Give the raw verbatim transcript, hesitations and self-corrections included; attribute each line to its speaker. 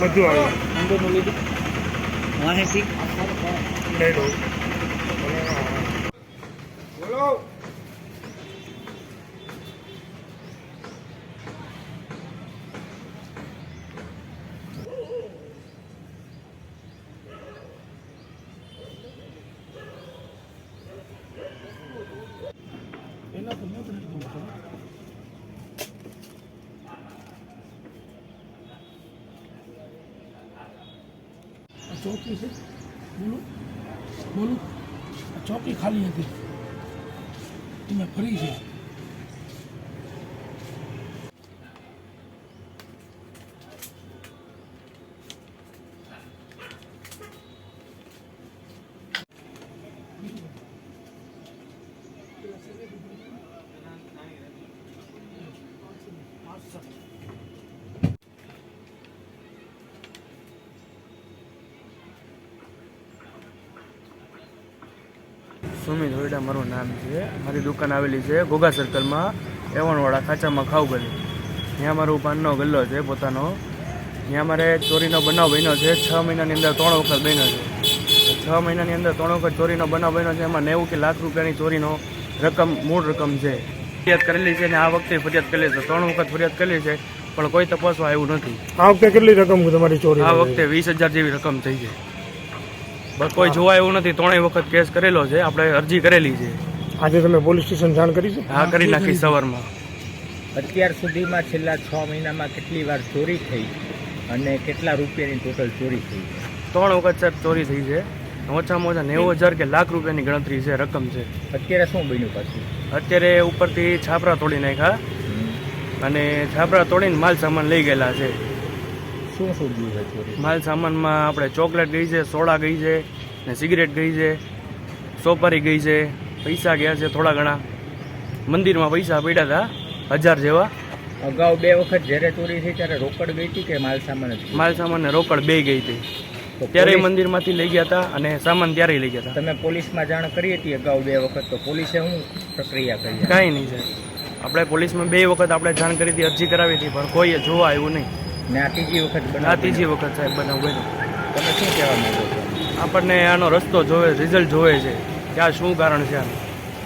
Speaker 1: બધું આવે
Speaker 2: અંદરનું લીધું માહિતી
Speaker 1: લઈ લો બોલો એના તો નથી ચોકી છે બોલું બોલું ચોકી ખાલી હતી એમાં ફરી છે
Speaker 3: સુમિત હોયડા મારું નામ છે. મારી દુકાન આવેલી છે ઘોઘા સર્કલમાં એવણવાળા ખાચામાં ખાવ ગલી. ત્યાં મારું પાનનો ગલ્લો છે પોતાનો. ત્યાં મારે ચોરીનો બનાવ બન્યો છે. છ મહિનાની અંદર ત્રણ વખત બન્યો છે. છ મહિનાની અંદર ત્રણ વખત ચોરીનો બનાવ બન્યો છે. એમાં નેવું કે લાખ રૂપિયાની ચોરીનો રકમ મૂળ રકમ છે. ફરિયાદ કરેલી છે ને આ વખતે ફરિયાદ કરેલી છે. ત્રણ વખત ફરિયાદ કરેલી છે પણ કોઈ તપાસવા આવ્યું નથી.
Speaker 1: આ વખતે કેટલી રકમ તમારી ચોરી?
Speaker 3: આ વખતે વીસ હજાર જેવી રકમ થઈ છે. બસ કોઈ જોવા એવું નથી. ત્રણેય વખત કેસ કરેલો છે. આપણે અરજી કરેલી છે.
Speaker 1: આજે તમે પોલીસ સ્ટેશન જાણ કરી છે?
Speaker 3: હા, કરી નાખી સવારમાં.
Speaker 2: અત્યાર સુધીમાં છેલ્લા છ મહિનામાં કેટલી વાર ચોરી થઈ અને કેટલા રૂપિયાની ટોટલ ચોરી થઈ?
Speaker 3: ત્રણ વખત સાહેબ ચોરી થઈ છે. ઓછામાં ઓછા નેવું હજાર કે લાખ રૂપિયાની ગણતરી છે, રકમ છે.
Speaker 2: અત્યારે શું બન્યું પાછું?
Speaker 3: અત્યારે ઉપરથી છાપરા તોડી નાખ્યા અને છાપરા તોડીને માલ સામાન લઈ ગયેલા છે.
Speaker 2: શું શું ગયું છે ચોરી?
Speaker 3: માલ સામાનમાં આપણે ચોકલેટ ગઈ છે, સોડા ગઈ છે ને સિગરેટ ગઈ છે, સોપારી ગઈ છે, પૈસા ગયા છે થોડા ઘણા. મંદિરમાં પૈસા પડ્યા હતા હજાર જેવા.
Speaker 2: અગાઉ બે વખત જ્યારે ચોરી થઈ ત્યારે રોકડ ગઈ હતી કે માલ સામાન જ?
Speaker 3: માલ સામાન ને રોકડ બે ગઈ હતી.
Speaker 2: તો
Speaker 3: ત્યારે
Speaker 2: પોલીસ-
Speaker 3: મંદિરમાંથી લઈ ગયા હતા અને સામાન ત્યારે લઈ ગયા હતા.
Speaker 2: તમે પોલીસમાં જાણ કરી હતી અગાઉ બે વખત, તો પોલીસે શું પ્રક્રિયા કરી?
Speaker 3: કાંઈ નહીં છે. આપણે પોલીસમાં બે વખત આપણે જાણ કરી હતી, અરજી કરાવી હતી પણ કોઈએ જોવા આવ્યું નહીં.
Speaker 2: ને આ ત્રીજી વખત બનાવ
Speaker 3: આ ત્રીજી વખત સાહેબ બનાવ બન્યો.
Speaker 2: તમે શું કહેવા માંગો છો?
Speaker 3: આપણને આનો રસ્તો જોવે, રિઝલ્ટ જોવે છે કે આ શું કારણ છે આનું.